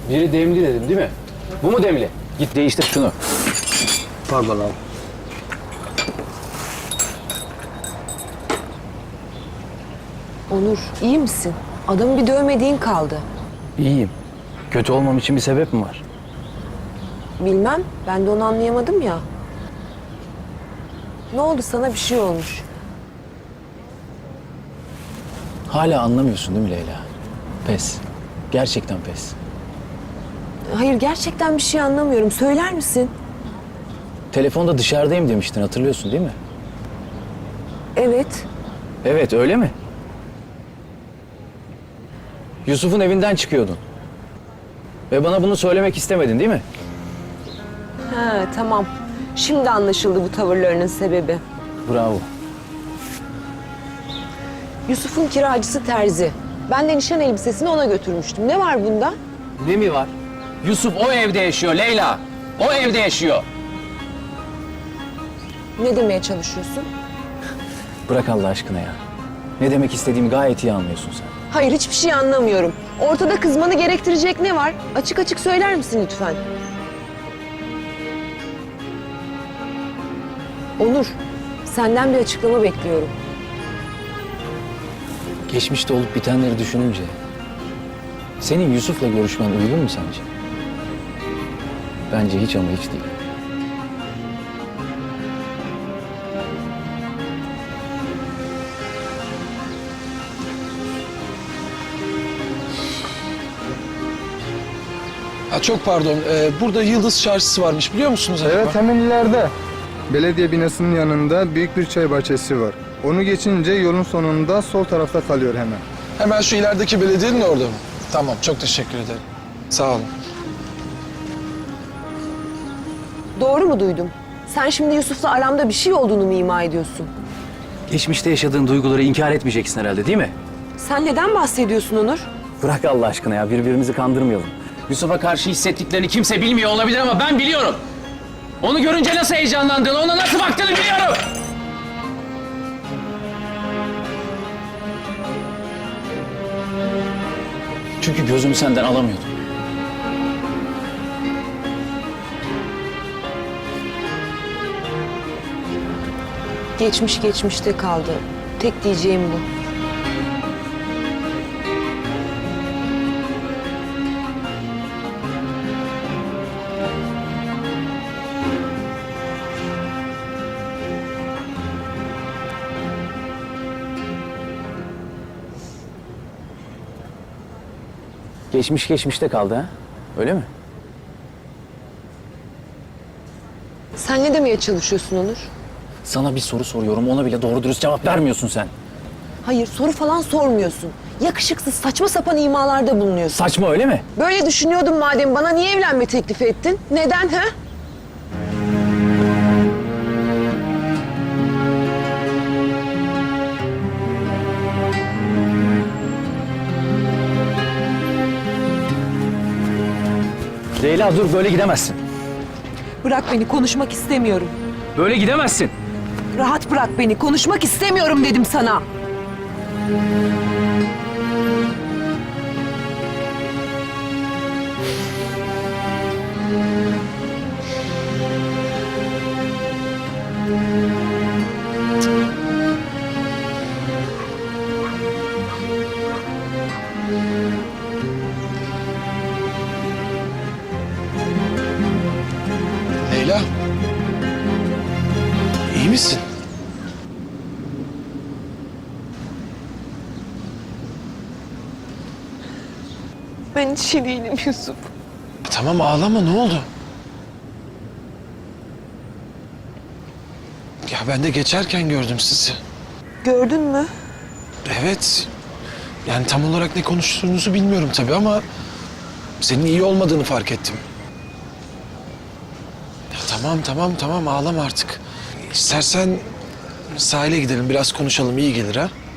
Biri demli dedim değil mi? Bu mu demli? Git değiştir şunu. Pardon abi. Onur, iyi misin? Adamı bir dövmediğin kaldı. İyiyim. Kötü olmam için bir sebep mi var? Bilmem, ben de onu anlayamadım ya. Ne oldu, sana bir şey olmuş? Hala anlamıyorsun değil mi Leyla? Pes. Gerçekten pes. Hayır, gerçekten bir şey anlamıyorum. Söyler misin? Telefonda dışarıdayım demiştin, hatırlıyorsun değil mi? Evet. Evet, öyle mi? Yusuf'un evinden çıkıyordun. Ve bana bunu söylemek istemedin değil mi? Ha, tamam. Şimdi anlaşıldı bu tavırlarının sebebi. Bravo. Yusuf'un kiracısı Terzi. Ben de nişan elbisesini ona götürmüştüm. Ne var bunda? Ne mi var? Yusuf o evde yaşıyor Leyla. O evde yaşıyor. Ne demeye çalışıyorsun? Bırak Allah aşkına ya. Ne demek istediğimi gayet iyi anlıyorsun sen. Hayır, hiçbir şey anlamıyorum. Ortada kızmanı gerektirecek ne var? Açık açık söyler misin lütfen? Onur, senden bir açıklama bekliyorum. Geçmişte olup bitenleri düşününce... senin Yusuf'la görüşmen uygun mu sence? Bence hiç ama hiç değil. Ha, çok pardon. Burada Yıldız Çarşısı varmış biliyor musunuz acaba? Evet, hemen ileride. Belediye binasının yanında büyük bir çay bahçesi var. Onu geçince yolun sonunda sol tarafta kalıyor hemen. Hemen şu ilerideki belediyenin orada mı? Tamam, çok teşekkür ederim. Sağ olun. Doğru mu duydum? Sen şimdi Yusuf'la aramda bir şey olduğunu mu ima ediyorsun? Geçmişte yaşadığın duyguları inkar etmeyeceksin herhalde değil mi? Sen neden bahsediyorsun Onur? Bırak Allah aşkına ya, birbirimizi kandırmayalım. Yusuf'a karşı hissettiklerini kimse bilmiyor olabilir ama ben biliyorum. Onu görünce nasıl heyecanlandığını, ona nasıl baktığını biliyorum. Çünkü gözümü senden alamıyordum. Geçmiş geçmişte kaldı. Tek diyeceğim bu. Geçmiş geçmişte kaldı ha? Öyle mi? Sen ne demeye çalışıyorsun Onur? Sana bir soru soruyorum, ona bile doğru dürüst cevap vermiyorsun sen. Hayır, soru falan sormuyorsun. Yakışıksız, saçma sapan imalarda bulunuyorsun. Saçma öyle mi? Böyle düşünüyordun madem, bana niye evlenme teklifi ettin? Neden ha? Leyla dur, böyle gidemezsin. Bırak beni, konuşmak istemiyorum. Böyle gidemezsin. Rahat bırak beni, konuşmak istemiyorum dedim sana. Leyla. İyi misin? Ben hiç iyi değilim Yusuf. Tamam ağlama, ne oldu? Ya ben de geçerken gördüm sizi. Gördün mü? Evet. Yani tam olarak ne konuştuğunuzu bilmiyorum tabii ama... senin iyi olmadığını fark ettim. Ya tamam ağlama artık. İstersen sahile gidelim, biraz konuşalım, iyi gelir ha?